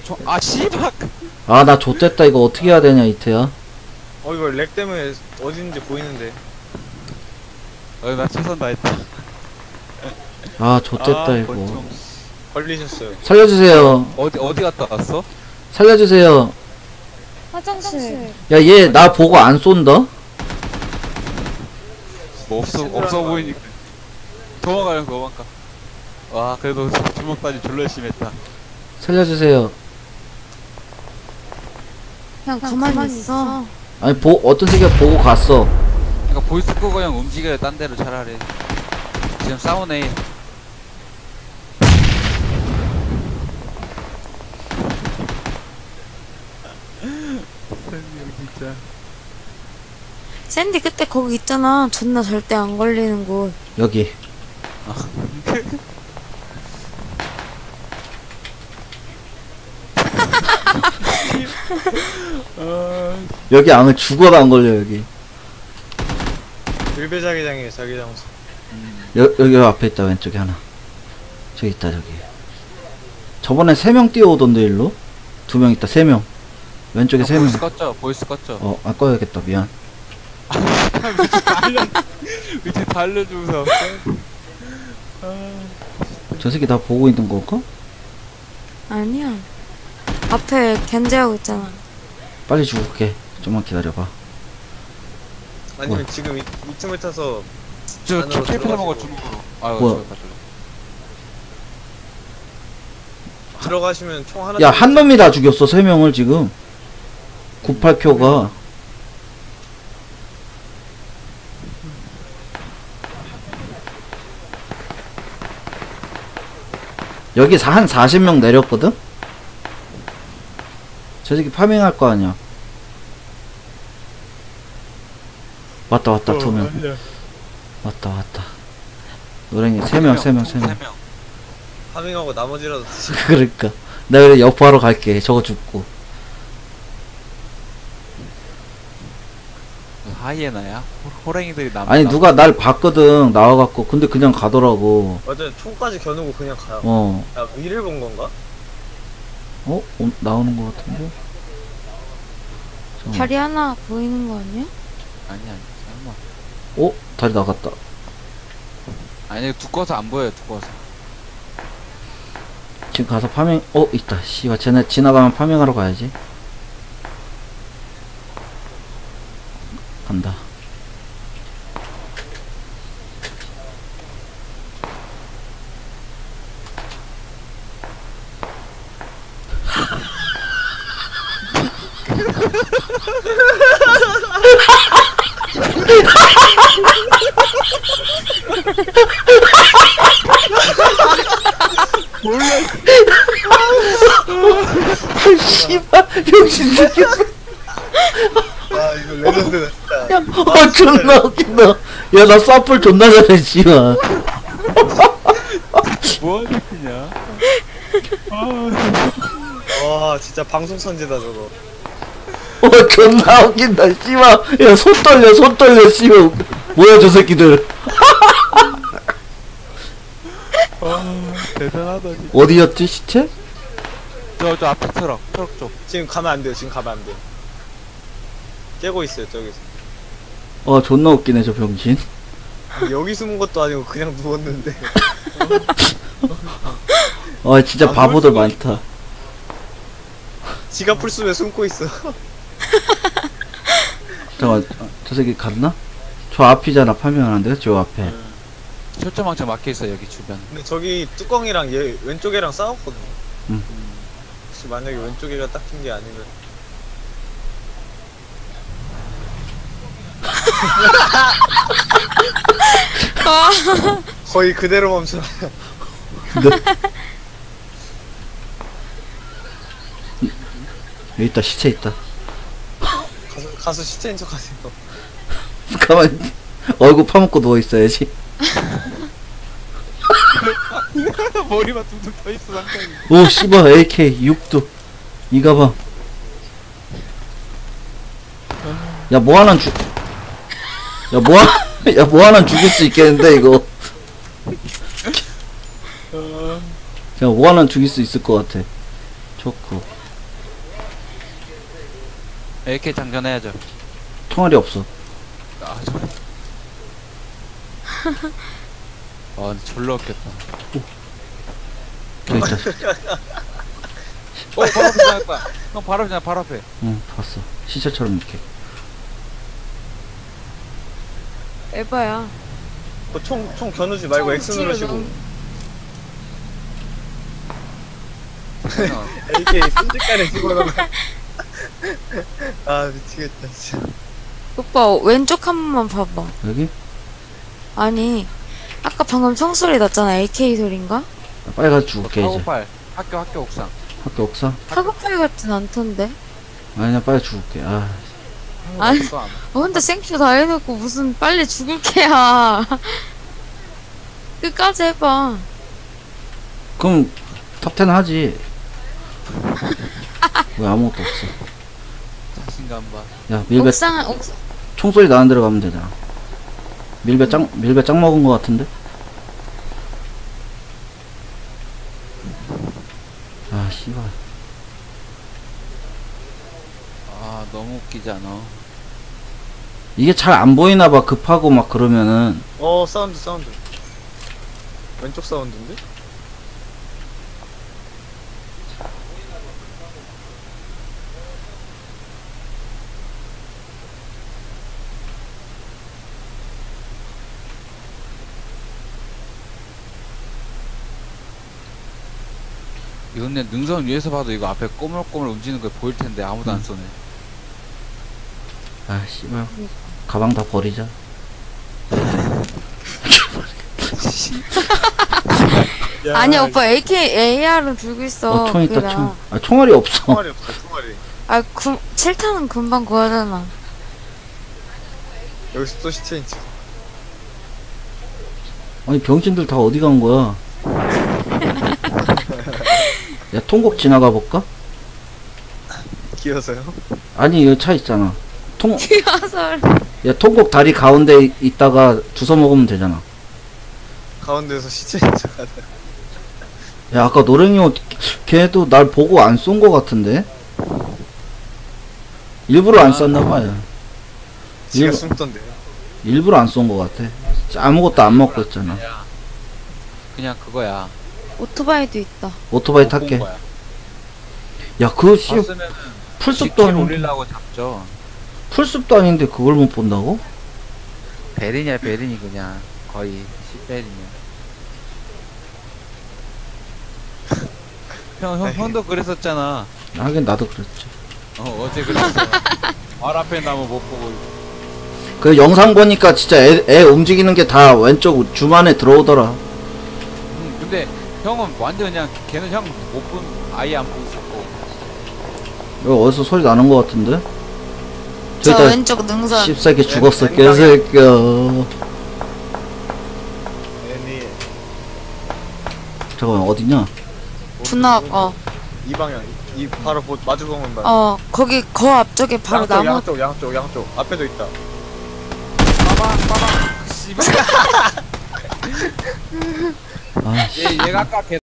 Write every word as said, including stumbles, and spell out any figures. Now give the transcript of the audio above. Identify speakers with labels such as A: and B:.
A: 저, 아 씨발.
B: 아 나 좆됐다. 이거 어떻게 해야 되냐 이태야.
C: 어 이거 렉 때문에 어디 있는지 보이는데.
A: 어, 나 최선 다했다.
B: 아 좆됐다
A: 아,
B: 이거.
A: 권총.
C: 걸리셨어요.
B: 살려주세요.
A: 어디 어디 갔다 왔어?
B: 살려주세요.
D: 화장실.
B: 야 얘 나 보고 안 쏜다.
A: 뭐 없어 없어 보이니까. 도망가요 도망가. 와 그래도 주먹다니 졸라 열심히 했다.
B: 살려주세요.
D: 그냥 가만히 있어.
B: 아니 보 어떤 새끼가 보고 갔어.
A: 그러니까 보이스 끄고 그냥 움직여요 딴 데로 차라리. 지금 싸우네. 진짜.
D: 샌디 그때 거기 있잖아. 존나 절대 안 걸리는 곳.
B: 여기. 여기 안 죽어도 안 걸려 여기.
C: 일배 자기장이에요 자기장소.
B: 여, 여기 앞에 있다. 왼쪽에 하나. 저기 있다 저기. 저번에 세 명 뛰어오던데 일로. 두 명 있다. 세 명. 왼쪽에
A: 아,
B: 세 명.
A: 보이스 껐죠 보이스 껐죠.
B: 어, 안 꺼야겠다. 미안.
A: 위치 다 알려주면서.
B: 저 새끼 나 보고 있는 건가?
D: 아니야. 앞에 견제하고 있잖아.
B: 빨리 죽을게. 좀만 기다려봐.
C: 아니면
B: 뭐야?
C: 지금 이, 이 틈을 타서
A: 저
C: 안으로
A: 캐피라 먹어
C: 들어가시고.
A: 주먹으로. 아유
B: 뭐야?
A: 저기 가져가.
C: 들어가시면 총 하나.
B: 야, 한 놈이 다 죽였어. 세 명을 지금. 구십팔 킬가. 여기 한 사십 명 내렸거든? 저 새끼 파밍할 거 아니야. 왔다, 왔다, 두 명. 왔다, 왔다. 노랭이 세 명, 세 명, 세 명.
C: 파밍하고 나머지라도 드시.
B: 그러니까. 내가 그래 여포하러 갈게. 저거 죽고.
A: 하이에나야? 호- 호랭이들이 남.
B: 아니,
A: 남-
B: 누가 날 봤거든. 나와갖고. 근데 그냥 가더라고.
C: 맞아요. 총까지 겨누고 그냥 가요.
B: 어.
C: 야 위를 본 건가?
B: 어? 어? 나오는 거 같은데? 잠깐만.
D: 다리 하나 보이는 거 아니야?
A: 아니 아니 설마.
B: 어? 다리 나갔다.
A: 아니 두꺼워서 안 보여요 두꺼워서.
B: 지금 가서 파밍, 어? 있다. 씨발, 쟤네 지나가면 파밍하러 가야지. 간다.
A: 몰라.
B: 씨발, 병신 새끼야.
C: 아 이거 레전드다 진짜.
B: 어, 존나 웃긴다. 야, 나 사플 존나 잘해, 씨발.
A: 뭐하는 새끼냐?
C: 와 진짜 방송 선지다 저거.
B: 어, 존나 웃긴다, 씨발. 야, 손 떨려, 손 떨려, 씨발. 뭐야, 저 새끼들.
A: 아 대단하다 진짜.
B: 어디였지, 시체?
A: 저저 앞에 트럭 트럭 쪽.
C: 지금 가면 안 돼요. 지금 가면 안 돼요. 깨고 있어요 저기서.
B: 어, 존나 웃기네, 저 병신.
C: 여기 숨은 것도 아니고 그냥 누웠는데.
B: 어, 진짜
C: 안
B: 바보들
C: 보일 수가
B: 많다.
C: 지가 풀숲에 숨고 있어.
B: 잠깐만, 어, 저 새끼 갔나? 저 앞이잖아, 파밍하는데? 저 앞에.
A: 철조망청 막혀 있어 여기 주변.
C: 근데 저기 뚜껑이랑 얘 왼쪽 애랑 싸웠거든요.
B: 응.
C: 혹시 만약에 왼쪽 애가 닦인 게 아니면. 거의 그대로 멈춰.
B: 근데 여기 있다, 시체 있다.
C: 가서 가서 시체인 척 하세요.
B: 가만 얼굴 파묻고 누워 있어야지.
A: 머리만 둥둥 떠 있어 상당히.
B: 오, 씨발, 에이케이 육두 이 가방. 야, 뭐 하나 죽. 야, 뭐 하나. 야, 뭐 하나 죽일 수 있겠는데 이거. 야, 뭐 하나 죽일 수 있을 것 같아. 좋고.
A: 에이케이 장전해야죠.
B: 총알이 없어.
A: 아, 저. 아, 근데 졸라 웃겼다.
B: 저기 있다.
A: 어, 바로 앞에 지나갔다. 형, 바로 앞에, 지나, 바로 앞에.
B: 응, 봤어. 시체처럼 이렇게.
D: 에바야.
C: 그 총, 총 겨누지 말고 X 누르시고. 에이케이 순식간에 집어넣어. 아, 미치겠다, 진짜.
D: 오빠 왼쪽 한 번만 봐봐.
B: 여기?
D: 아니 아까 방금 총소리 났잖아. 에이케이 소린가?
B: 빨리 가서 죽을게, 이제.
A: 카고팔. 학교, 학교 옥상.
B: 학교 옥상?
D: 카고팔 같진 않던데.
B: 아니, 나 빨리 죽을게. 아,
D: 아니.
A: 없어, 안.
D: 어, 혼자 생큐 다 해놓고 무슨 빨리 죽을 게야. 끝까지 해봐.
B: 그럼 탑텐 하지. 왜 아무것도 없어.
A: 자신감 봐.
B: 야, 밀배,
D: 옥상 옥상
B: 총소리 나는 데로 가면 되잖아. 밀배 짱, 밀배 짱 먹은 거 같은데? 아, 씨발.
A: 아, 너무 웃기지 않아.
B: 이게 잘 안 보이나봐, 급하고 막 그러면은.
C: 어, 사운드, 사운드. 왼쪽 사운드인데?
A: 이거 근데 능선 위에서 봐도 이거 앞에 꼬물꼬물 움직이는 거 보일 텐데 아무도 안 쏘네.
B: 아, 씨발. 가방 다 버리자.
D: 아니 오빠 에이케이 에이알은 들고 있어.
B: 어, 총 있다,
D: 그래라.
B: 총. 아, 총알이 없어.
C: 총알이 없어, 총알이.
D: 아 구, 칠 탄은 금방 구하잖아.
C: 여기서 또 시체인지.
B: 아니, 병신들 다 어디 간 거야? 야, 통곡 지나가 볼까?
C: 기어서요?
B: 아니, 여기 차 있잖아. 통,
D: 귀여워서.
B: 야, 통곡 다리 가운데 이- 있다가 주워 먹으면 되잖아.
C: 가운데서 시체인 척 하다.
B: 야, 아까 노랭이 옷, 걔도 날 보고 안 쏜 거 같은데? 일부러 안 쐈나봐, 야.
C: 지가
B: 이거-
C: 숨던데요.
B: 일부러 안 쏜 거 같아. 아무것도 안 먹고 있잖아.
A: 그냥 그거야.
D: 오토바이도 있다.
B: 오토바이
A: 못 본
B: 탈게.
A: 거야.
B: 야, 그거 씨,
A: 봤으면은
B: 풀숲도
A: 십 킬
B: 아닌데.
A: 올리려고 잡죠.
B: 풀숲도 아닌데 그걸 못 본다고?
A: 베린이야 베린이 그냥 거의 십 베린이야. 형, 형, 형도 그랬었잖아.
B: 하긴 나도 그랬지.
A: 어, 어제 그랬어. 발 앞에 나무 못 보고.
B: 그 영상 보니까 진짜 애, 애 움직이는 게 다 왼쪽 주만에 들어오더라.
A: 음, 근데 형은 완전 그냥 걔는 형 못 본, 아예 안 보고 있었고.
B: 여기 어디서 소리 나는 거 같은데?
D: 저
B: 저기다
D: 왼쪽 능선.
B: 씹새끼 죽었어,
C: 왼-
B: 개새끼야.
C: 애니
B: 잠깐만, 어디냐?
D: 분화 어.
C: 이 방향, 이 바로 보, 마주 보면 봐.
D: 어 거기 거 앞쪽에 바로
C: 양쪽,
D: 나무.
C: 양쪽, 양쪽, 양쪽. 앞에도 있다.
A: 빠방, 빠방. 씨발.
B: 아, 씨.
A: 얘, 얘가 아까 걔